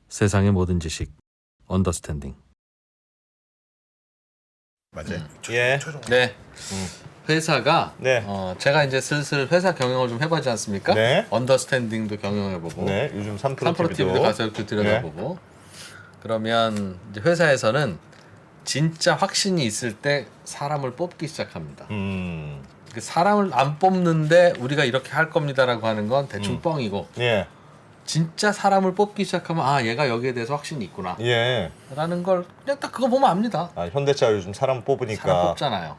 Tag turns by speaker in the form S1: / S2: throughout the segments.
S1: 세상의 모든 지식 언더스탠딩.
S2: 맞아요.
S3: 예.
S4: 네. 회사가
S3: 네.
S4: 제가 이제 슬슬 회사 경영을 좀 해보지 않습니까?
S3: 네.
S4: 언더스탠딩도 경영해보고
S3: 네. 요즘 3프로
S4: 3프로 TV도 가서 이렇게 들여다보고 그러면 이제 회사에서는 진짜 확신이 있을 때 사람을 뽑기 시작합니다. 그 사람을 안 뽑는데 우리가 이렇게 할 겁니다라고 하는 건 대충 뻥이고
S3: 예.
S4: 진짜 사람을 뽑기 시작하면 아 얘가 여기에 대해서 확신이 있구나
S3: 예.
S4: 라는 걸 그냥 딱 그거 보면 압니다.
S3: 아, 현대차 요즘 사람 뽑으니까
S4: 사람 뽑잖아요.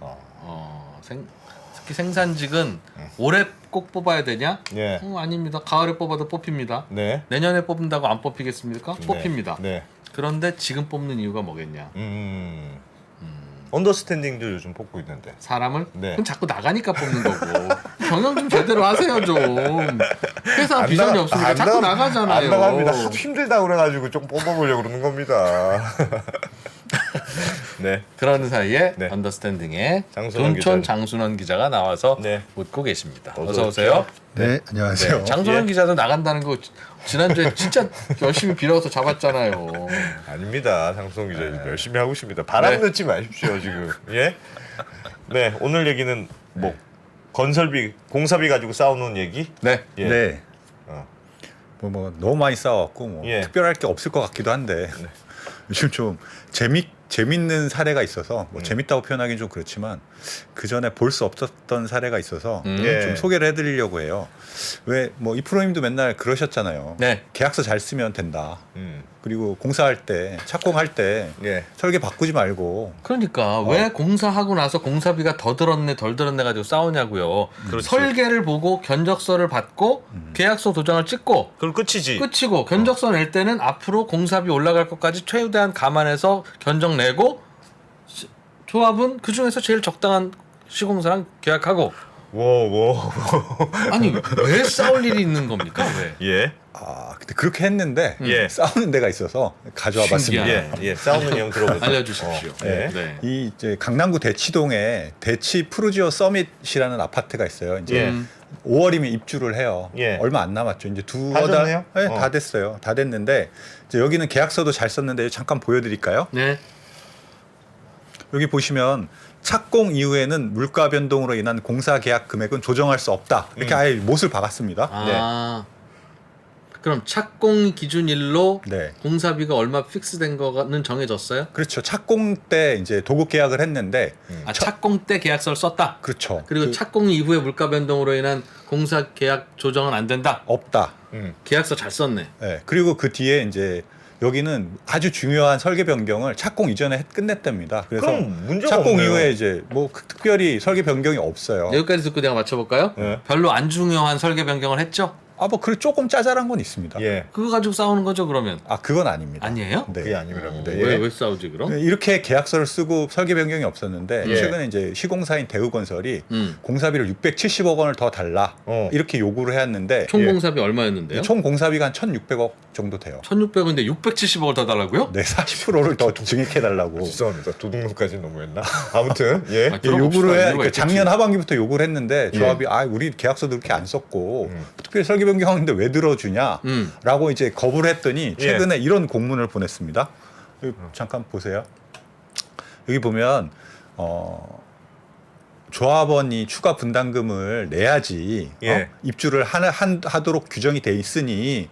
S4: 특히 생산직은 올해 꼭 뽑아야 되냐?
S3: 예.
S4: 아닙니다. 가을에 뽑아도 뽑힙니다.
S3: 네.
S4: 내년에 뽑는다고 안 뽑히겠습니까? 뽑힙니다.
S3: 네.
S4: 그런데 지금 뽑는 이유가 뭐겠냐?
S3: 언더스탠딩도 요즘 뽑고 있는데.
S4: 사람을?
S3: 네.
S4: 그럼 자꾸 나가니까 뽑는 거고. 경영 좀 제대로 하세요 좀. 회사 비전이 없으니까 자꾸 나가잖아요.
S3: 안 나갑니다. 하도 힘들다 그래가지고 좀 뽑아보려고 그러는 겁니다. 네.
S4: 그런 사이에
S3: 네.
S4: 언더스탠딩에
S3: 장순원
S4: 둔촌
S3: 기자님.
S4: 장순원 기자가 나와서
S3: 네.
S4: 묻고 계십니다.
S3: 어서
S4: 어서 오세요.
S2: 네, 안녕하세요.
S4: 네, 장순원
S3: 예.
S4: 기자도 나간다는 거 지난주에 진짜 열심히 빌어서 잡았잖아요.
S3: 아닙니다. 장수홍 기자 열심히 하고 있습니다. 바람
S4: 네.
S3: 넣지 마십시오 지금. 예. 네. 오늘 얘기는 뭐 건설비, 공사비 가지고 싸우는 얘기.
S4: 네.
S3: 예.
S2: 네.
S3: 어.
S2: 뭐 너무 많이 싸웠고 뭐
S3: 예.
S2: 특별할 게 없을 것 같기도 한데 요즘 좀 재밌는 사례가 있어서 뭐 재밌다고 표현하기는 좀 그렇지만 그 전에 볼 수 없었던 사례가 있어서
S3: 예.
S2: 좀 소개를 해드리려고 해요. 왜 뭐 이프로님도 맨날 그러셨잖아요.
S4: 네.
S2: 계약서 잘 쓰면 된다.
S3: 음.
S2: 그리고 공사할 때 착공할 때
S3: 예.
S2: 설계 바꾸지 말고
S4: 그러니까 왜 공사하고 나서 공사비가 더 들었네 덜 들었네 가지고 싸우냐고요.
S3: 그렇지.
S4: 설계를 보고 견적서를 받고 계약서 도장을 찍고
S3: 그럼 끝이지.
S4: 끝이고 견적서 낼 때는 앞으로 공사비 올라갈 것까지 최대한 감안해서 견적 내고 조합은 그 중에서 제일 적당한 시공사랑 계약하고.
S3: 워.
S4: 아니 왜 싸울 일이 있는 겁니까? 왜?
S3: 예.
S2: 근데 그렇게 했는데
S3: 예.
S2: 싸우는 데가 있어서 가져와 봤습니다.
S4: 신기하네.
S3: 예. 싸우는 내용 들어보세요.
S4: 알려주십시오.
S3: 예.
S4: 네.
S2: 이 이제 강남구 대치동에 대치 푸르지오 서밋이라는 아파트가 있어요. 이제
S3: 예.
S2: 5월이면 입주를 해요.
S3: 예.
S2: 얼마 안 남았죠. 이제
S3: 다 됐네요?
S2: 네, 다 됐어요. 다 됐는데 이제 여기는 계약서도 잘 썼는데 잠깐 보여드릴까요?
S4: 네.
S2: 여기 보시면 착공 이후에는 물가 변동으로 인한 공사 계약 금액은 조정할 수 없다. 이렇게 아예 못을 박았습니다.
S4: 아. 그럼 착공 기준일로
S2: 네.
S4: 공사비가 얼마 픽스된 거는 정해졌어요?
S2: 그렇죠. 착공 때 이제 도급 계약을 했는데
S4: 아 착공 때 계약서를 썼다.
S2: 그렇죠.
S4: 그리고 착공 이후에 물가 변동으로 인한 공사 계약 조정은 안 된다.
S2: 없다.
S4: 계약서 잘 썼네.
S2: 네. 그리고 그 뒤에 이제 여기는 아주 중요한 설계 변경을 착공 이전에 끝냈답니다. 그래서
S3: 그럼 문제가
S2: 착공
S3: 없네요.
S2: 이후에 이제 뭐 특별히 설계 변경이 없어요.
S4: 여기까지 듣고 내가 맞춰볼까요?
S3: 네.
S4: 별로 안 중요한 설계 변경을 했죠?
S2: 그 조금 짜잘한 건 있습니다.
S3: 예.
S4: 그거 가지고 싸우는 거죠 그러면?
S2: 그건 아닙니다.
S4: 아니에요?
S2: 네.
S3: 그게 아니랍니다.
S4: 왜 싸우지 그럼?
S2: 네, 이렇게 계약서를 쓰고 설계 변경이 없었는데
S3: 예.
S2: 최근에 이제 시공사인 대우건설이
S4: 음.
S2: 공사비를 670억 원을 더 달라 이렇게 요구를 해왔는데
S4: 총 공사비 얼마였는데요?
S2: 총 공사비가 한 1,600억 정도 돼요.
S4: 1,600원인데 670억을 더 달라고요?
S2: 네, 40%를 더 증액해달라고.
S3: 죄송합니다. 도둑놈까지 너무했나? 아무튼 예.
S4: 아,
S2: 예, 요구를 해.
S4: 이유가 있겠지.
S2: 작년 하반기부터 요구를 했는데
S3: 예.
S2: 조합이 우리 계약서도 그렇게 안 썼고 특별히 설계 변경하는데 왜 들어주냐? 라고 이제 거부를 했더니 최근에 이런 공문을 보냈습니다. 여기 잠깐 보세요. 여기 보면 조합원이 추가 분담금을 내야지
S3: 예.
S2: 입주를 하도록 규정이 돼 있으니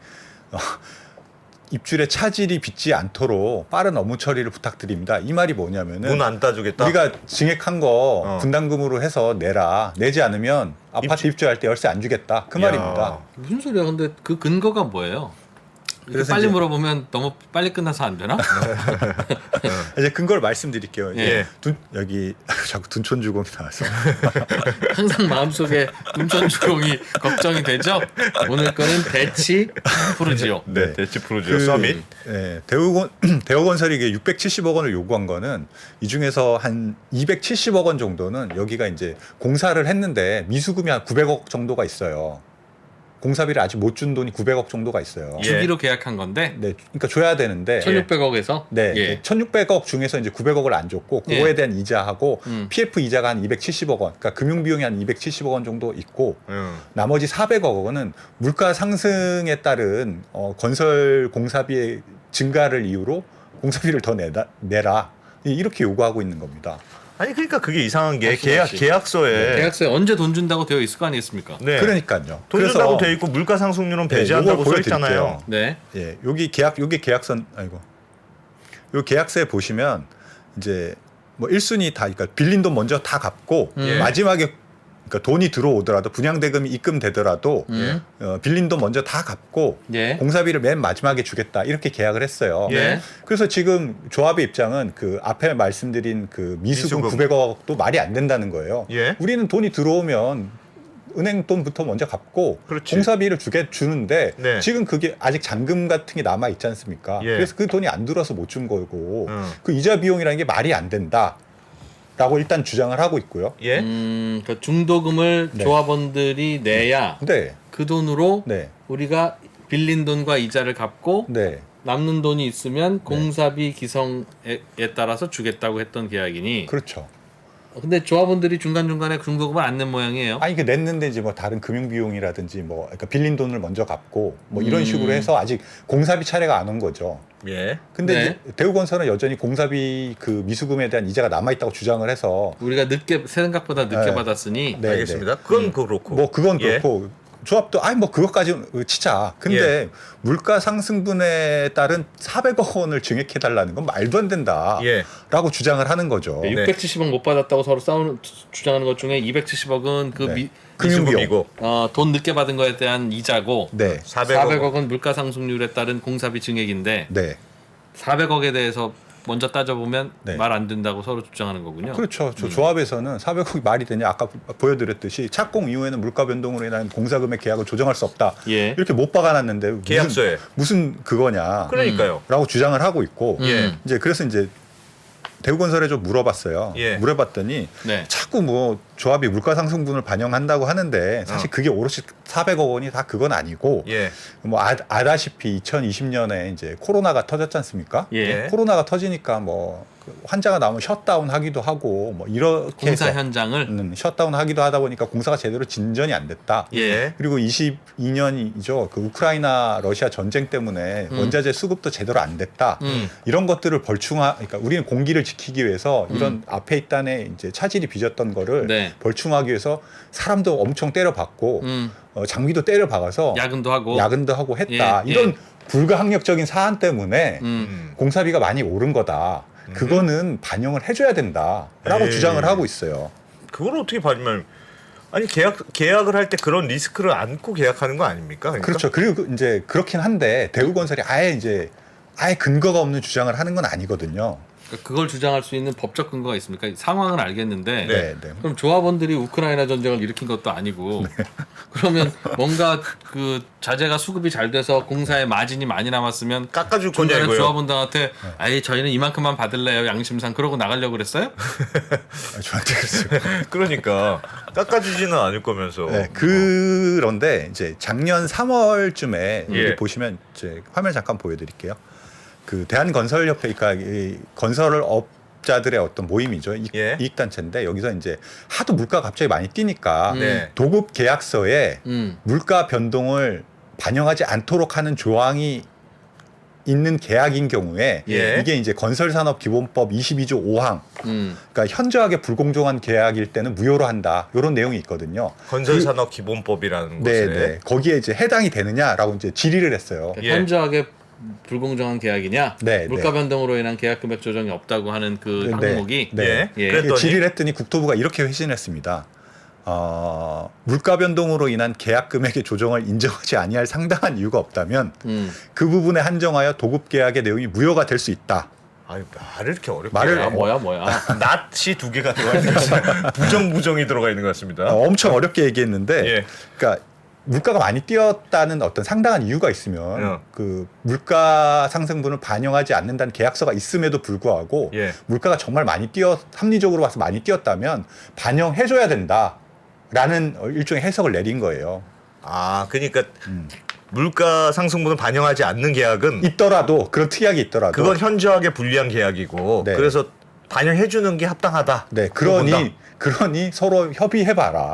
S2: 입주의 차질이 빚지 않도록 빠른 업무 처리를 부탁드립니다. 이 말이 뭐냐면은
S3: 문 안 따주겠다.
S2: 우리가 증액한 거 분담금으로 해서 내라. 내지 않으면 아파트 입주할 때 열쇠 안 주겠다. 그
S3: 야.
S2: 말입니다.
S4: 무슨 소리야? 근데 그 근거가 뭐예요? 이렇게
S2: 그래서
S4: 빨리
S2: 이제-
S4: 물어보면 너무 빨리 끝나서 안 되나?
S2: 이제 근거를 말씀드릴게요.
S4: 예.
S2: 여기 자꾸 둔촌주공이 나와서
S4: 항상 마음속에 둔촌주공이 걱정이 되죠? 오늘 거는 대치 푸르지오.
S3: 네. 대치 프로지오 서밋.
S2: 네, 대우건설이 이게 670억 원을 요구한 거는 이 중에서 한 270억 원 정도는 여기가 이제 공사를 했는데 미수금이 한 900억 정도가 있어요. 공사비를 아직 못 준 돈이 900억 정도가 있어요.
S3: 예.
S4: 주기로 계약한 건데
S2: 네, 그러니까 줘야 되는데
S4: 1,600억에서
S2: 네,
S4: 예.
S2: 1,600억 중에서 이제 900억을 안 줬고 그거에
S4: 예.
S2: 대한 이자하고 PF 이자가 한 270억 원, 그러니까 금융 비용이 한 270억 원 정도 있고 나머지 400억 원은 물가 상승에 따른 건설 공사비에 증가를 이유로 공사비를 더 내라 이렇게 요구하고 있는 겁니다.
S3: 아니 그러니까 그게 이상한 게
S4: 말씀하시.
S3: 계약서에
S4: 계약서에 언제 돈 준다고 되어 있을 거 아니겠습니까?
S3: 네.
S2: 그러니까요.
S3: 돈 준다고 돼 있고 물가 상승률은 배제한다고 써 있잖아요.
S4: 네.
S2: 예, 여기 계약서 아이고. 요 계약서에 보시면 이제 뭐 1순위 다 그러니까 빌린 돈 먼저 다 갚고
S3: 예.
S2: 마지막에 그러니까 돈이 들어오더라도 분양 대금이 입금되더라도 빌린 돈 먼저 다 갚고
S4: 예.
S2: 공사비를 맨 마지막에 주겠다 이렇게 계약을 했어요.
S3: 예.
S2: 그래서 지금 조합의 입장은 그 앞에 말씀드린 그 미수금
S3: 미수금.
S2: 900억도 말이 안 된다는 거예요.
S3: 예.
S2: 우리는 돈이 들어오면 은행 돈부터 먼저 갚고
S3: 그렇지.
S2: 공사비를 주는데
S3: 네.
S2: 지금 그게 아직 잔금 같은 게 남아 있지 않습니까?
S3: 예.
S2: 그래서 그 돈이 안 들어서 못 준 거고
S3: 음.
S2: 그 이자 비용이라는 게 말이 안 된다라고 일단 주장을 하고 있고요.
S3: 예.
S4: 그 중도금을
S2: 네.
S4: 조합원들이 내야
S2: 네,
S4: 그 돈으로
S2: 네,
S4: 우리가 빌린 돈과 이자를 갚고
S2: 네.
S4: 남는 돈이 있으면 공사비 기성에 따라서 주겠다고 했던 계약이니.
S2: 그렇죠.
S4: 근데 조합원들이 중간중간에 중도금을 안 낸 모양이에요.
S2: 아니 그 냈는데 이제 뭐 다른 금융 비용이라든지 뭐 그러니까 빌린 돈을 먼저 갚고 뭐 이런 식으로 해서 아직 공사비 차례가 안 온 거죠.
S3: 예.
S2: 근데
S4: 네.
S2: 이제 대우건설은 여전히 공사비 그 미수금에 대한 이자가 남아 있다고 주장을 해서
S4: 우리가 생각보다 늦게
S2: 네. 네,
S4: 받았으니
S2: 네.
S3: 알겠습니다. 그건 그렇고.
S2: 뭐 그건
S3: 예.
S2: 그렇고 조합도 아니 뭐 그것까지 치자. 근데
S3: 예.
S2: 물가 상승분에 따른 400억 원을 증액해 달라는 건 말도 안 된다라고
S3: 예.
S2: 주장을 하는 거죠.
S3: 네.
S4: 670억 못 받았다고 서로 주장하는 것 중에 270억은 그
S2: 네. 금융비용.
S3: 미수금이고
S4: 돈 늦게 받은 거에 대한 이자고
S2: 네,
S4: 400억은 물가 상승률에 따른 공사비 증액인데
S2: 네,
S4: 400억에 대해서 먼저 따져보면
S2: 네.
S4: 말 안 된다고 서로 주장하는 거군요.
S2: 그렇죠. 저 조합에서는 400억이 말이 되냐 아까 보여드렸듯이 착공 이후에는 물가 변동으로 인한 공사금액 계약을 조정할 수 없다.
S4: 예.
S2: 이렇게 못 박아놨는데
S3: 계약서에.
S2: 무슨 그거냐.
S3: 그러니까요.
S2: 라고 주장을 하고 있고
S3: 예.
S2: 이제 그래서 이제 대우건설에 좀 물어봤어요.
S3: 예.
S2: 물어봤더니
S4: 네.
S2: 자꾸 뭐 조합이 물가 상승분을 반영한다고 하는데 사실 그게 오롯이 400억 원이 다 그건 아니고
S3: 예.
S2: 뭐 아다시피 2020년에 이제 코로나가 터졌지 않습니까?
S4: 예.
S2: 코로나가 터지니까 뭐그 환자가 나오면 셧다운 하기도 하고 뭐 이렇게
S4: 공사
S2: 해서
S4: 현장을
S2: 셧다운 하기도 하다 보니까 공사가 제대로 진전이 안 됐다.
S3: 예.
S2: 그리고 22년이죠. 그 우크라이나 러시아 전쟁 때문에 원자재 수급도 제대로 안 됐다. 이런 것들을 그러니까 우리는 공기를 지키기 위해서 이런 앞에 있단에 이제 차질이 빚었던 거를
S4: 네.
S2: 벌충하기 위해서 사람도 엄청 때려박고 장비도 때려박아서
S4: 야근도 하고
S2: 야근도 하고 했다.
S4: 예,
S2: 이런
S4: 예.
S2: 불가항력적인 사안 때문에
S3: 음.
S2: 공사비가 많이 오른 거다. 그거는 반영을 해줘야 된다라고
S3: 에이.
S2: 주장을 하고 있어요.
S3: 그걸 어떻게 받으면 아니 계약을 할 때 그런 리스크를 안고 계약하는 거 아닙니까? 그러니까?
S2: 그렇죠. 그리고 이제 그렇긴 한데 대우건설이 아예 근거가 없는 주장을 하는 건 아니거든요.
S4: 그걸 주장할 수 있는 법적 근거가 있습니까? 상황은 알겠는데
S2: 네, 네.
S4: 그럼 조합원들이 우크라이나 전쟁을 일으킨 것도 아니고 그러면 뭔가 그 자재가 수급이 잘 돼서 공사에 마진이 많이 남았으면
S3: 깎아줄 거냐
S4: 중간에
S3: 이거요.
S4: 조합원들한테 아예 저희는 이만큼만 받을래요 양심상 그러고 나가려고 그랬어요?
S2: 저한테 그랬어요.
S3: 그러니까 깎아주지는 않을 거면서.
S2: 네, 그런데 이제 작년 3월쯤에
S3: 예.
S2: 여기 보시면 이제 화면 잠깐 보여드릴게요. 그 대한건설협회, 그러니까 이 건설업자들의 어떤 모임이죠.
S3: 예.
S2: 이익단체인데 여기서 이제 하도 물가 갑자기 많이 뛰니까
S3: 네.
S2: 도급 계약서에
S4: 음.
S2: 물가 변동을 반영하지 않도록 하는 조항이 있는 계약인 경우에
S3: 예.
S2: 이게 이제 건설산업기본법 22조 5항 그러니까 현저하게 불공정한 계약일 때는 무효로 한다. 이런 내용이 있거든요.
S3: 건설산업 기본법이라는
S2: 네,
S3: 것에.
S2: 네. 거기에 이제 해당이 되느냐라고 이제 질의를 했어요.
S3: 예.
S4: 현저하게 불공정한 계약이냐?
S2: 네,
S4: 물가
S2: 네.
S4: 변동으로 인한 계약 금액 조정이 없다고 하는 그 항목이
S2: 네.
S3: 예.
S4: 예.
S3: 그랬더니
S2: 질의를 했더니 국토부가 이렇게 회신했습니다. 물가 변동으로 인한 계약 금액의 조정을 인정하지 아니할 상당한 이유가 없다면 그 부분에 한정하여 도급 계약의 내용이 무효가 될 수 있다.
S3: 아유 말을 이렇게 어렵게
S2: 말을
S3: 해요.
S4: 뭐야
S3: 낫이 두 개가 들어가 있는 것 같습니다. 부정이 들어가 있는 것 같습니다.
S2: 엄청 어렵게 얘기했는데,
S3: 예.
S2: 그러니까 물가가 많이 뛰었다는 어떤 상당한 이유가 있으면 그 물가 상승분을 반영하지 않는다는 계약서가 있음에도 불구하고
S3: 예.
S2: 물가가 정말 많이 합리적으로 봐서 많이 뛰었다면 반영해줘야 된다라는 일종의 해석을 내린 거예요.
S3: 아 그러니까 물가 상승분을 반영하지 않는 계약은
S2: 있더라도 그런 특약이 있더라도
S3: 그건 현저하게 불리한 계약이고
S2: 네.
S3: 그래서 반영해 주는 게 합당하다.
S2: 네
S3: 그거 본다.
S2: 그러니 서로 협의해봐라.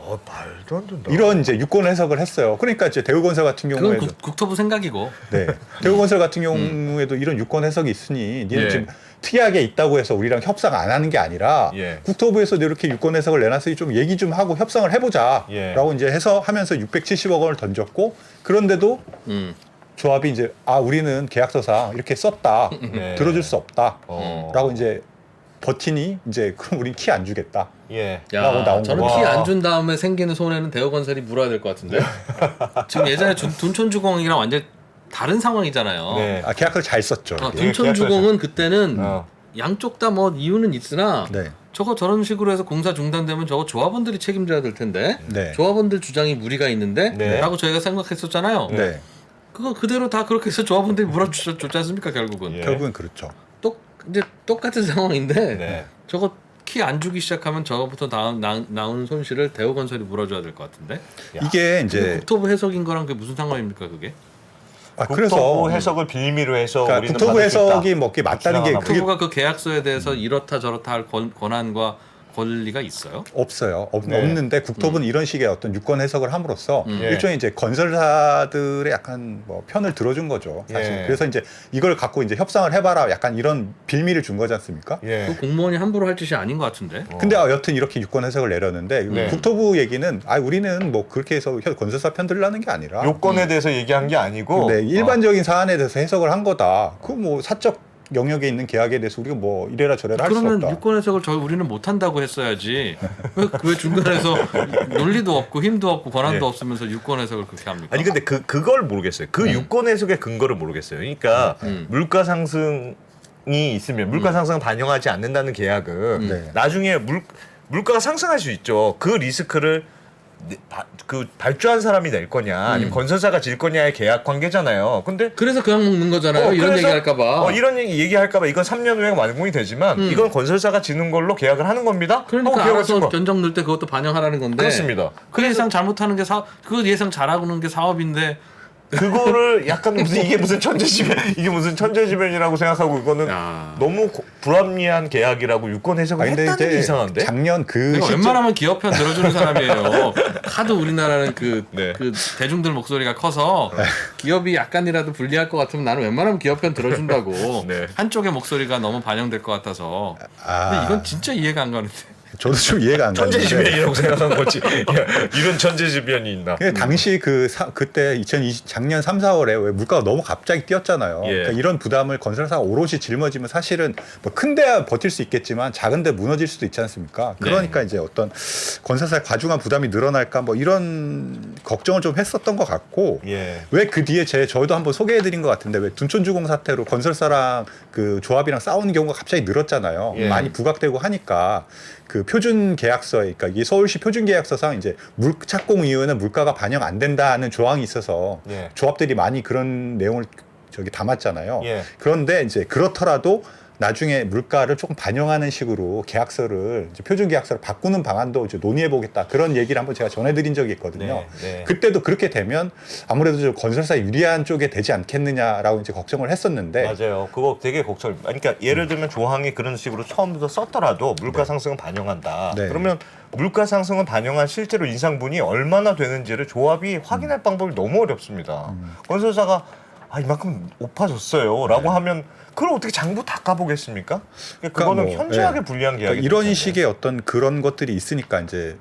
S3: 말도 안 된다.
S2: 이런 이제 유권 해석을 했어요. 그러니까 이제 대우건설 같은
S4: 그건
S2: 경우에도
S4: 국토부 생각이고.
S2: 네. 대우건설 같은 경우에도 이런 유권 해석이 있으니 니는
S3: 예.
S2: 지금 특이하게 있다고 해서 우리랑 협상 안 하는 게 아니라
S3: 예.
S2: 국토부에서 이렇게 유권 해석을 내놨으니 좀 얘기 좀 하고 협상을 해보자라고
S3: 예.
S2: 이제 해서 하면서 670억 원을 던졌고 그런데도 조합이 이제 우리는 계약서상 이렇게 썼다
S3: 네.
S2: 들어줄 수 없다라고
S3: 어.
S2: 이제 버티니 이제 그럼 우린 키 안 주겠다.
S3: 예.
S2: 라고 나온
S4: 저는
S3: 거고.
S4: 키 안 준 다음에 생기는 손해는 대우건설이 물어야 될 것 같은데. 지금 예전에 둔촌주공이랑 완전 다른 상황이잖아요.
S3: 네.
S2: 계약서를 잘 썼죠. 이게.
S4: 둔촌주공은 그때는
S3: 어.
S4: 양쪽 다 뭐 이유는 있으나
S2: 네.
S4: 저거 저런 식으로 해서 공사 중단되면 저거 조합원들이 책임져야 될 텐데
S2: 네.
S4: 조합원들 주장이 무리가 있는데
S3: 네.
S4: 라고 저희가 생각했었잖아요.
S2: 네.
S4: 그거 그대로 다 그렇게 해서 조합원들이 물어줬지 않습니까 결국은.
S3: 예.
S2: 결국은 그렇죠.
S4: 이제 똑같은 상황인데
S3: 네.
S4: 저거 키 안 주기 시작하면 저거부터 나오는 손실을 대우건설이 물어줘야 될 것 같은데.
S2: 이게
S4: 근데
S2: 이제
S4: 국토부 해석인 거랑 그게 무슨 상관입니까 그게?
S3: 국토부
S2: 그래서
S3: 해석을 빌미로 해서
S2: 그러니까
S3: 우리는
S2: 국토부
S3: 받을 수 있다.
S2: 해석이 뭐 그게 맞다는 게
S3: 주장하나
S2: 그게
S4: 국토부가 그 계약서에 대해서 이렇다 저렇다 할 권한과 권리가 있어요?
S2: 없어요.
S3: 네.
S2: 없는데 국토부는 이런 식의 어떤 유권 해석을 함으로써
S3: 예.
S2: 일종의 이제 건설사들의 약간 뭐 편을 들어준 거죠. 사실.
S3: 예.
S2: 그래서 이제 이걸 갖고 이제 협상을 해봐라. 약간 이런 빌미를 준 거지 않습니까?
S3: 예.
S4: 그 공무원이 함부로 할 짓이 아닌 것 같은데.
S2: 근데 여튼 이렇게 유권 해석을 내렸는데
S3: 네.
S2: 국토부 얘기는 우리는 뭐 그렇게 해서 건설사 편 들라는 게 아니라
S3: 요건에 대해서 얘기한 게 아니고
S2: 네, 일반적인 사안에 대해서 해석을 한 거다. 그 뭐 사적 영역에 있는 계약에 대해서 우리가 뭐 이래라 저래라 할 수
S4: 그러면
S2: 없다.
S4: 유권 해석을 우리는 못 한다고 했어야지. 왜 중간에서 논리도 없고 힘도 없고 권한도
S3: 예.
S4: 없으면서 유권 해석을 그렇게 합니까?
S3: 아니 근데 그걸 모르겠어요. 그 유권 해석의 근거를 모르겠어요. 그러니까 물가 상승이 있으면 물가 상승을 반영하지 않는다는 계약은
S2: 네.
S3: 나중에 물가가 상승할 수 있죠. 그 리스크를 그 발주한 사람이 낼 거냐 아니면 건설사가 질 거냐의 계약 관계잖아요. 근데
S4: 그래서 그냥 먹는 거잖아요. 이런
S3: 그래서,
S4: 얘기 할까봐.
S3: 이런 얘기할까봐 이건 3년 후에 완공이 되지만 이건 건설사가 지는 걸로 계약을 하는 겁니다.
S4: 그러니까
S3: 하고 계약을
S4: 알아서
S3: 쓴 거.
S4: 견적 넣을 때 그것도 반영하라는 건데.
S3: 그렇습니다.
S4: 그 예상 잘못하는 게 그 예상 잘하고는 게 사업인데.
S3: 그거를 약간 이게 무슨 천재지변이라고 생각하고 이거는
S4: 야.
S3: 너무 불합리한 계약이라고 유권 해석을
S2: 근데
S3: 했다는 게
S2: 이제
S3: 이상한데?
S2: 작년 그
S4: 내가
S2: 시점
S4: 웬만하면 기업 편 들어주는 사람이에요. 하도 우리나라는 그
S3: 네.
S4: 대중들 목소리가 커서 기업이 약간이라도 불리할 것 같으면 나는 웬만하면 기업 편 들어준다고.
S3: 네.
S4: 한쪽의 목소리가 너무 반영될 것 같아서. 근데 이건 진짜 이해가 안 가는데.
S2: 저도 좀 이해가 안 가는데
S3: 천재지변이라고 생각한 거지. 이런 천재지변이 있나?
S2: 당시 그때 작년 3, 4월에 왜 물가가 너무 갑자기 뛰었잖아요.
S3: 예.
S2: 그러니까 이런 부담을 건설사가 오롯이 짊어지면 사실은 뭐 큰데 버틸 수 있겠지만 작은데 무너질 수도 있지 않습니까? 그러니까 이제 어떤 건설사의 과중한 부담이 늘어날까 뭐 이런 걱정을 좀 했었던 것 같고
S3: 예.
S2: 왜 그 뒤에 저희도 한번 소개해드린 것 같은데 왜 둔촌주공 사태로 건설사랑 그 조합이랑 싸우는 경우가 갑자기 늘었잖아요.
S3: 예.
S2: 많이 부각되고 하니까 그 표준 계약서, 그러니까 이 서울시 표준 계약서상 이제 착공 이후에는 물가가 반영 안 된다는 조항이 있어서
S3: 예.
S2: 조합들이 많이 그런 내용을 담았잖아요.
S3: 예.
S2: 그런데 이제 그렇더라도 나중에 물가를 조금 반영하는 식으로 계약서를 이제 표준 계약서를 바꾸는 방안도 이제 논의해 보겠다 그런 얘기를 한번 제가 전해드린 적이 있거든요.
S3: 네.
S2: 그때도 그렇게 되면 아무래도 좀 건설사 유리한 쪽에 되지 않겠느냐라고 이제 걱정을 했었는데
S3: 맞아요. 그거 되게 걱정. 그러니까 예를 들면 조항이 그런 식으로 처음부터 썼더라도 물가 상승은 반영한다.
S2: 네.
S3: 그러면 물가 상승을 반영한 실제로 인상분이 얼마나 되는지를 조합이 확인할 방법이 너무 어렵습니다. 건설사가 이만큼 높아졌어요라고 하면 그걸 어떻게 장부 다 까보겠습니까? 그거는
S2: 뭐,
S3: 현저하게
S2: 예.
S3: 불리한 계약이
S2: 그러니까 이런
S3: 되잖아요.
S2: 식의 어떤 그런 것들이 있으니까 이제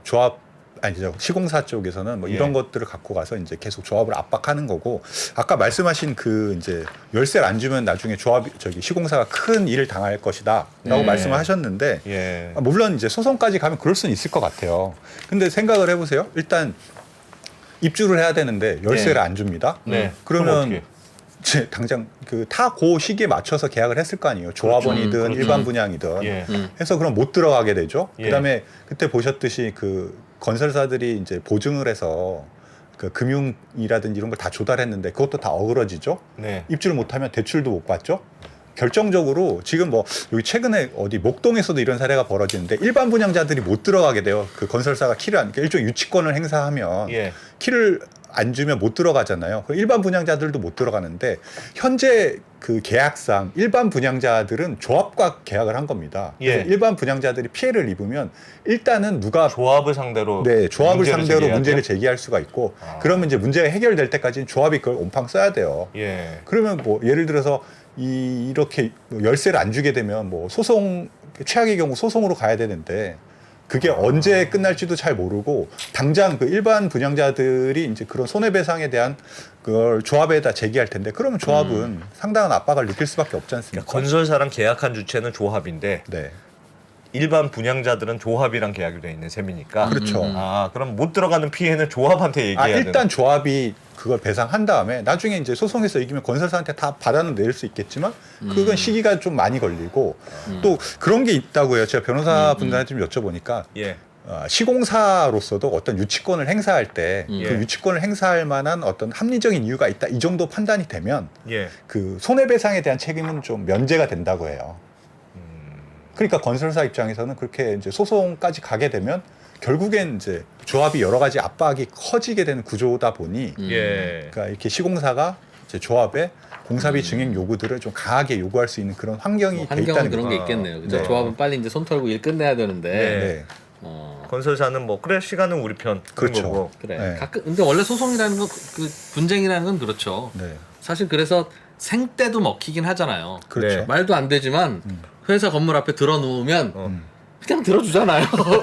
S2: 시공사 쪽에서는 뭐
S3: 예.
S2: 이런 것들을 갖고 가서 이제 계속 조합을 압박하는 거고 아까 말씀하신 그 이제 열쇠를 안 주면 나중에 시공사가 큰 일을 당할 것이다라고 말씀을 하셨는데
S3: 예.
S2: 물론 이제 소송까지 가면 그럴 수는 있을 것 같아요. 근데 생각을 해보세요. 일단 입주를 해야 되는데 열쇠를
S3: 네.
S2: 안 줍니다.
S3: 네. 그럼
S2: 그러면
S3: 어떻게?
S2: 당장 그 시기에 맞춰서 계약을 했을 거 아니에요. 조합원이든
S3: 그렇죠.
S2: 일반 분양이든
S3: 예.
S2: 해서 그럼 못 들어가게 되죠.
S3: 예.
S2: 그다음에 그때 보셨듯이 그 건설사들이 이제 보증을 해서 그 금융이라든지 이런 걸 다 조달했는데 그것도 다 어그러지죠.
S3: 네.
S2: 입주를 못하면 대출도 못 받죠. 결정적으로 지금 뭐 여기 최근에 어디 목동에서도 이런 사례가 벌어지는데 일반 분양자들이 못 들어가게 돼요. 그 건설사가 일종의 유치권을 행사하면
S3: 예.
S2: 키를 안 주면 못 들어가잖아요. 그 일반 분양자들도 못 들어가는데 현재 그 계약상 일반 분양자들은 조합과 계약을 한 겁니다. 그래서
S3: 예.
S2: 일반 분양자들이 피해를 입으면 일단은 누가
S3: 조합을 상대로
S2: 네, 조합을
S3: 문제를
S2: 상대로
S3: 제기해야
S2: 문제를
S3: 돼요?
S2: 제기할 수가 있고
S3: 아.
S2: 그러면 이제 문제가 해결될 때까지는 조합이 그걸 온팡 써야 돼요.
S3: 예.
S2: 그러면 뭐 예를 들어서 이렇게 열세를 안 주게 되면 뭐 소송 최악의 경우 소송으로 가야 되는데 그게 언제 끝날지도 잘 모르고 당장 그 일반 분양자들이 이제 그런 손해배상에 대한 그걸 조합에다 제기할 텐데 그러면 조합은 상당한 압박을 느낄 수밖에 없지 않습니까?
S3: 그러니까 건설사랑 계약한 주체는 조합인데
S2: 네,
S3: 일반 분양자들은 조합이랑 계약이 돼 있는 셈이니까.
S2: 그렇죠.
S3: 아, 그럼 못 들어가는 피해는 조합한테 얘기해야 되는.
S2: 일단 조합이 그걸 배상한 다음에 나중에 이제 소송에서 이기면 건설사한테 다 받아는 낼 수 있겠지만 그건 시기가 좀 많이 걸리고 또 그런 게 있다고요. 제가 변호사분들한테 좀 여쭤보니까
S3: 예.
S2: 시공사로서도 어떤 유치권을 행사할 때 그
S3: 예.
S2: 유치권을 행사할 만한 어떤 합리적인 이유가 있다 이 정도 판단이 되면
S3: 예.
S2: 그 손해배상에 대한 책임은 좀 면제가 된다고 해요. 그러니까 건설사 입장에서는 그렇게 이제 소송까지 가게 되면 결국엔 이제 조합이 여러 가지 압박이 커지게 되는 구조다 보니
S3: 예.
S2: 그러니까 이렇게 시공사가 이제 조합에 공사비 증액 요구들을 좀 강하게 요구할 수 있는 그런 환경이 돼
S4: 환경은
S2: 있다는
S4: 그런
S2: 거죠.
S4: 게 있겠네요. 그죠?
S2: 네.
S4: 조합은 빨리 이제 손 털고 일 끝내야 되는데.
S3: 네.
S2: 네.
S3: 건설사는 뭐 그래 시간은 우리 편 그런
S2: 그렇죠.
S3: 거고.
S4: 그래.
S2: 네.
S4: 가끔 근데 원래 소송이라는 건 그 분쟁이라는 건 그렇죠.
S2: 네.
S4: 사실 그래서 생떼도 먹히긴 하잖아요.
S2: 그렇죠.
S3: 네.
S4: 말도 안 되지만 회사 건물 앞에 들어 누우면 그냥 들어주잖아요.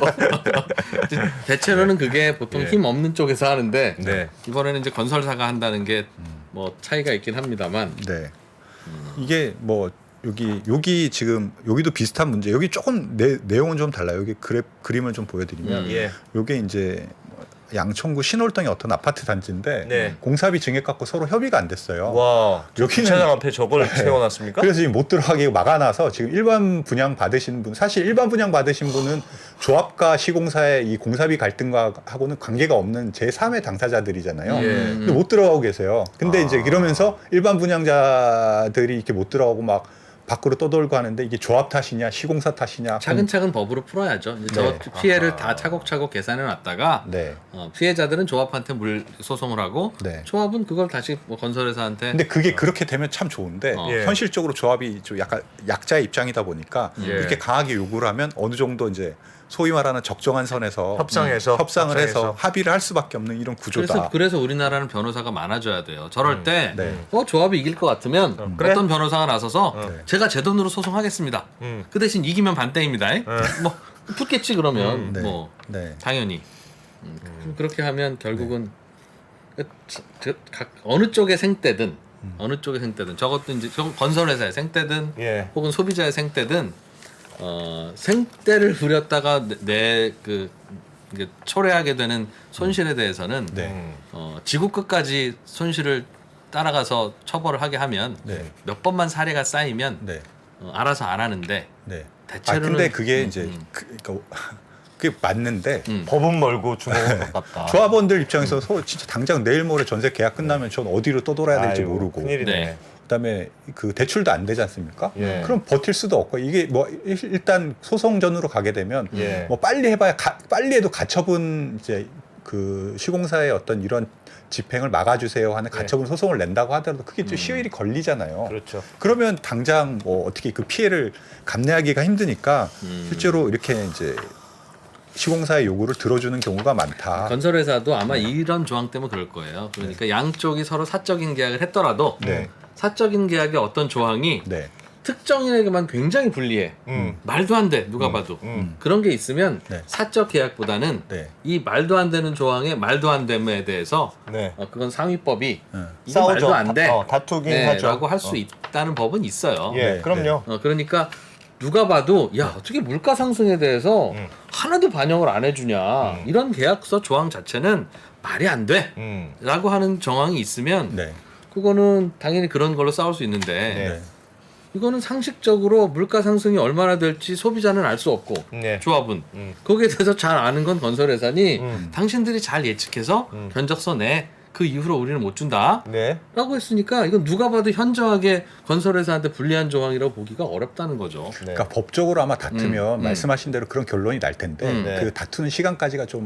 S4: 대체로는 그게 보통
S3: 예.
S4: 힘 없는 쪽에서 하는데
S3: 네.
S4: 이번에는 이제 건설사가 한다는 게 뭐 차이가 있긴 합니다만.
S2: 네. 이게 뭐 여기 지금 여기도 비슷한 문제. 여기 조금 내용은 좀 달라요. 여기 그림을 좀 보여드리면
S3: 예.
S2: 요게 이제 양천구 신월동의 어떤 아파트 단지인데
S3: 네.
S2: 공사비 증액 갖고 서로 협의가 안 됐어요.
S3: 와.
S2: 여기는-
S3: 주차장 앞에 저걸 세워놨습니까?
S2: 그래서 지금 못 들어가게 막아놔서 지금 일반 분양 받으신 분 사실 일반 분양 받으신 분은 조합과 시공사의 이 공사비 갈등과 하고는 관계가 없는 제3의 당사자들이잖아요.
S3: 예.
S2: 근데 못 들어가고 계세요. 근데 이제 이러면서 일반 분양자들이 이렇게 못 들어가고 막 밖으로 떠돌고 하는데 이게 조합 탓이냐 시공사 탓이냐
S4: 차근차근 법으로 풀어야죠. 이제
S2: 네.
S4: 저 피해를 다 차곡차곡 계산해 놨다가
S2: 네.
S4: 피해자들은 조합한테 물 소송을 하고
S2: 네.
S4: 조합은 그걸 다시 뭐 건설회사한테
S2: 근데 그게 그렇게 되면 참 좋은데
S4: 어.
S3: 예.
S2: 현실적으로 조합이 좀 약간 약자의 입장이다 보니까
S3: 예.
S2: 그렇게 강하게 요구를 하면 어느 정도 이제 소위 말하는 적정한 선에서
S3: 협상해서
S2: 협상을 해서 합의를 할 수밖에 없는 이런 구조다.
S4: 그래서 우리나라는 변호사가 많아져야 돼요. 저럴 때
S2: 네.
S4: 조합이 이길 것 같으면
S3: 그래?
S4: 어떤 변호사가 나서서
S2: 네.
S4: 제가 제 돈으로 소송하겠습니다. 그 대신 이기면 반땡입니다. 뭐 붙겠지 그러면
S2: 네.
S4: 뭐
S2: 네.
S4: 당연히 그렇게 하면 결국은 어느 쪽의 생떼든 어느 쪽의 생떼든 저것도 이제 건설회사의 생떼든
S3: 예.
S4: 혹은 소비자의 생떼든 생떼를 부렸다가 내 이게 초래하게 되는 손실에 대해서는
S2: 네.
S4: 지구 끝까지 손실을 따라가서 처벌을 하게 하면
S2: 네.
S4: 몇 번만 사례가 쌓이면
S2: 네.
S4: 알아서 안 하는데
S2: 네.
S4: 대체로는
S2: 근데 그게 이제 그러니까 그게 맞는데
S3: 법은 멀고 주먹은 가깝다.
S2: 조합원들 입장에서 진짜 당장 내일 모레 전세 계약 끝나면 전 어디로 떠돌아야 될지
S3: 아이고,
S2: 모르고
S3: 큰일이네.
S4: 네.
S2: 그다음에 그 대출도 안 되지 않습니까?
S3: 예.
S2: 그럼 버틸 수도 없고 이게 뭐 일단 소송전으로 가게 되면
S3: 예.
S2: 뭐 빨리 해봐야 빨리 해도 가처분 이제 그 시공사의 어떤 이런 집행을 막아주세요 하는 가처분 소송을 낸다고 하더라도 그게 좀 시일이 걸리잖아요.
S3: 그렇죠.
S2: 그러면 당장 뭐 어떻게 그 피해를 감내하기가 힘드니까 실제로 이렇게 이제 시공사의 요구를 들어주는 경우가 많다.
S4: 건설회사도 아마 이런 조항 때문에 그럴 거예요. 그러니까 양쪽이 서로 사적인 계약을 했더라도
S2: 네.
S4: 사적인 계약의 어떤 조항이
S2: 네.
S4: 특정인에게만 굉장히 불리해. 말도 안 돼. 누가 봐도. 그런 게 있으면
S2: 네.
S4: 사적 계약보다는
S2: 네.
S4: 이 말도 안 되는 조항의 말도 안 됨에 대해서
S3: 네.
S4: 그건 상위법이
S2: 응.
S4: 이거
S3: 싸우죠.
S4: 말도 안 돼.
S3: 다투긴 하죠.
S4: 라고 할 수 있다는 법은 있어요.
S3: 예,
S2: 네,
S3: 그럼요.
S4: 그러니까 누가 봐도 야 어떻게 물가 상승에 대해서 하나도 반영을 안 해주냐 이런 계약서 조항 자체는 말이 안 돼. 라고 하는 정황이 있으면
S2: 네.
S4: 그거는 당연히 그런 걸로 싸울 수 있는데
S2: 네.
S4: 이거는 상식적으로 물가 상승이 얼마나 될지 소비자는 알 수 없고
S3: 네.
S4: 조합은 거기에 대해서 잘 아는 건 건설회사니 당신들이 잘 예측해서 견적서 내 그 이후로 우리는 못 준다
S3: 네.
S4: 라고 했으니까 이건 누가 봐도 현저하게 건설회사한테 불리한 조항이라고 보기가 어렵다는 거죠.
S3: 네.
S2: 그러니까 법적으로 아마 다투면 말씀하신 대로 그런 결론이 날 텐데
S3: 네.
S2: 그 다투는 시간까지가 좀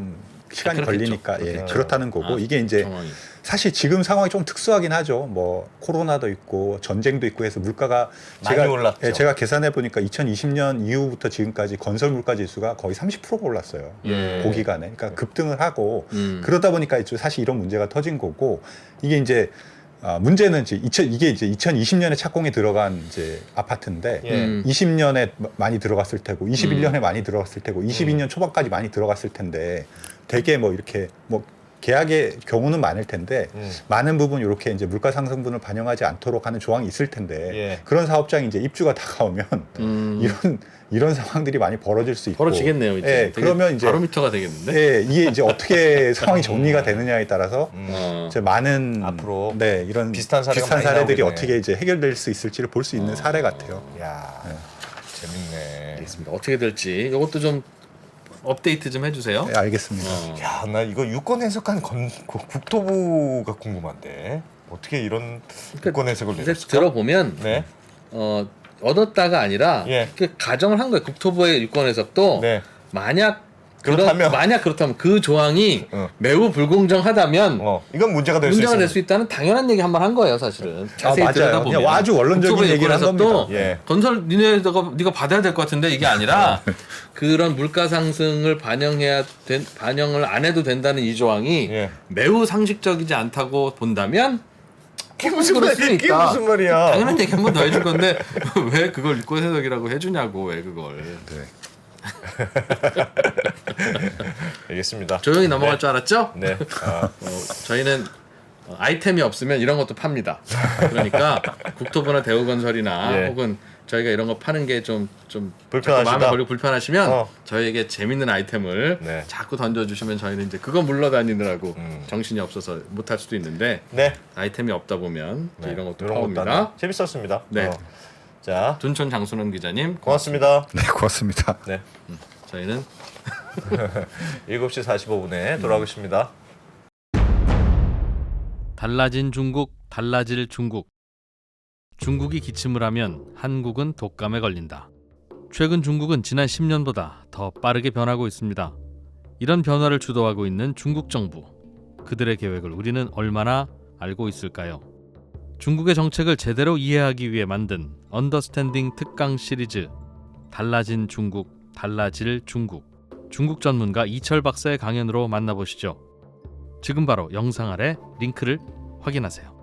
S2: 시간이
S4: 그렇겠죠.
S2: 걸리니까 예,
S3: 그렇겠죠.
S2: 그렇다는 거고
S4: 아,
S2: 이게 이제
S4: 상황이.
S2: 사실 지금 상황이 좀 특수하긴 하죠. 뭐 코로나도 있고 전쟁도 있고 해서 물가가
S3: 많이 올랐죠.
S2: 예, 제가 계산해 보니까 2020년 이후부터 지금까지 건설 물가 지수가 거의 30%가 올랐어요.
S3: 예.
S2: 그 기간에. 그러니까 급등을 하고
S4: 음.
S2: 그러다 보니까 사실 이런 문제가 터진 거고 이게 이제 문제는 이게 이제 2020년에 착공이 들어간 이제 아파트인데
S3: 예.
S2: 20년에 많이 들어갔을 테고 21년에 많이 들어갔을 테고 22년 초반까지 많이 들어갔을 텐데 되게 뭐 이렇게 뭐 계약의 경우는 많을 텐데 많은 부분 이렇게 이제 물가 상승분을 반영하지 않도록 하는 조항이 있을 텐데
S3: 예.
S2: 그런 사업장이 이제 입주가 다가오면 이런 상황들이 많이 벌어질 수 있고
S4: 벌어지겠네요. 이제.
S2: 예,
S4: 되게
S2: 그러면 이제
S4: 바로미터가 되겠는데.
S2: 예, 이게 이제 어떻게 상황이 정리가 되느냐에 따라서 이제 많은
S3: 앞으로
S2: 네, 이런
S3: 비슷한 사례가 많이
S2: 사례들이
S3: 나오겠네.
S2: 어떻게 이제 해결될 수 있을지를 볼 수 있는 사례 같아요.
S3: 야, 재밌네.
S4: 알겠습니다. 어떻게 될지 이것도 좀 업데이트 좀 해주세요.
S2: 네, 알겠습니다.
S3: 야, 나 이거 유권 해석한 국토부가 궁금한데 어떻게 이런 유권 해석을
S4: 근데
S3: 내렸을까?
S4: 들어보면
S3: 네,
S4: 얻었다가 아니라
S3: 예.
S4: 그 가정을 한 거예요. 국토부의 유권 해석도
S3: 네.
S4: 만약
S3: 그렇다면
S4: 그 조항이 매우 불공정하다면
S3: 이건 문제가 될 수
S4: 문제가
S3: 있습니다.
S4: 될 수 있다는 당연한 얘기 한 번 한 거예요, 사실은. 자세히
S2: 맞아요.
S4: 들여다보면
S2: 그냥 아주 원론적인
S4: 국토부의
S2: 얘기를 한
S4: 유권해석도
S2: 겁니다.
S3: 예.
S4: 건설 네가 받아야 될 것 같은데 이게 아니라 그런 물가 상승을 반영을 안 해도 된다는 이 조항이
S3: 예.
S4: 매우 상식적이지 않다고 본다면
S3: 그게 무슨
S4: 그럴 수는
S3: 말이야? 그게
S4: 있다.
S3: 무슨 말이야?
S4: 당연한 얘기 한 번 더 해줄 건데 왜 그걸 유권 해석이라고 해주냐고 왜 그걸
S2: 네.
S3: 알겠습니다.
S4: 조용히 넘어갈 줄 알았죠?
S3: 네. 아,
S4: 저희는 아이템이 없으면 이런 것도 팝니다. 그러니까 국토부나 대우건설이나
S3: 예.
S4: 혹은 저희가 이런 거 파는 게 좀
S3: 불편하시다?
S4: 마음에 걸리고 불편하시면
S3: 어.
S4: 저희에게 재밌는 아이템을
S3: 네.
S4: 자꾸 던져주시면 저희는 이제 그거 물러다니느라고
S3: 음.
S4: 정신이 없어서 못할 수도 있는데
S3: 네.
S4: 아이템이 없다 보면 이제
S3: 네.
S4: 이런 것도
S3: 이런
S4: 파옵니다.
S3: 하나. 재밌었습니다.
S4: 네.
S3: 자,
S4: 둔촌 장순원 기자님
S3: 고맙습니다.
S2: 네, 고맙습니다.
S3: 네.
S4: 저희는
S3: 7시 45분에 돌아오겠습니다.
S1: 달라진 중국, 달라질 중국. 중국이 기침을 하면 한국은 독감에 걸린다. 최근 중국은 지난 10년보다 더 빠르게 변하고 있습니다. 이런 변화를 주도하고 있는 중국 정부. 그들의 계획을 우리는 얼마나 알고 있을까요? 중국의 정책을 제대로 이해하기 위해 만든 언더스탠딩 특강 시리즈 달라진 중국, 달라질 중국. 중국 전문가 이철 박사의 강연으로 만나보시죠. 지금 바로 영상 아래 링크를 확인하세요.